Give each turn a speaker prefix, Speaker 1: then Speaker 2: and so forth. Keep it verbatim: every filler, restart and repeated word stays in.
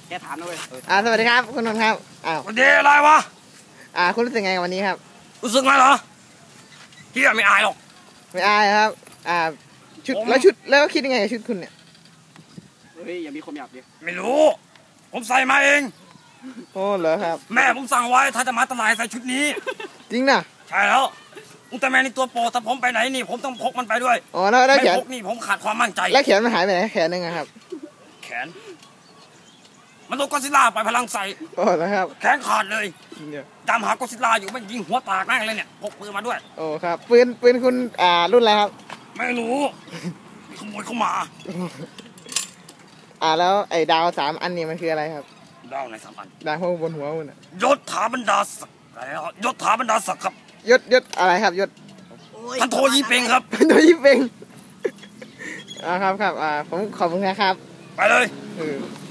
Speaker 1: แกถามนะเว้ย
Speaker 2: อ่าสวัสดีครับคุณนนท์ครับอ้าว
Speaker 3: วันนี้อะไรวะ
Speaker 2: อ่าคุณรู้สึกไงวันนี้ครับ
Speaker 3: รู้สึกไงเหรอที่ไม่อายหรอก
Speaker 2: ไม่อายครับอ่าชุดแล้วชุดแล้วคิดยังไงกับชุดคุณเนี่ย
Speaker 1: เฮ้ยอย่ามีความหยาบดิ
Speaker 3: ไม่รู้ผมใส่มาเอง
Speaker 2: โอ้เหรอครับ
Speaker 3: แม่ผมสั่งไว้ถ้าจะมาตลาดใส่ชุดนี้
Speaker 2: จริงนะ
Speaker 3: ใช่แล้วอุลตร้าแมนนี่ตัวโปรถ้าผมไปไหนนี่ผมต้องพกมันไปด้วย
Speaker 2: อ๋อแล้วแล้วแขน
Speaker 3: ไม่พกนี่ผมขาดความมั่นใจ
Speaker 2: แล้วแขนมันหายไปไหนแขนนึงครับ
Speaker 3: แขนมันโดนก็อดซิลล่าไปพลังใส่
Speaker 2: โอ้แล้วครับ
Speaker 3: แขนขาดเลยตามหาก็อดซิลล่าอยู่มันยิงหัวตากแม่งเลยเนี่ยพกปืนมาด้วย
Speaker 2: โอ้ครับปืนปืนคุณอ่ารุ่นอะไรครับ
Speaker 3: ไม่รู้ขโมยเข้ามา
Speaker 2: อ่าแล้วไอ้ดาวสามอันนี้มันคืออะไรครับ
Speaker 3: ดาวไหนสามอัน
Speaker 2: ดาวบนหัวคุณ
Speaker 3: ยศถาบรรดาศักดิ์ยศถาบรรดาศักดิ์ครับ
Speaker 2: ยศยศอะไรครับยศ
Speaker 3: ท่านโทยี่เป่งครับ
Speaker 2: โทยี่เป่งอ่าครับครับอ่าผมขอบคุณนะครับ
Speaker 3: ไปเลย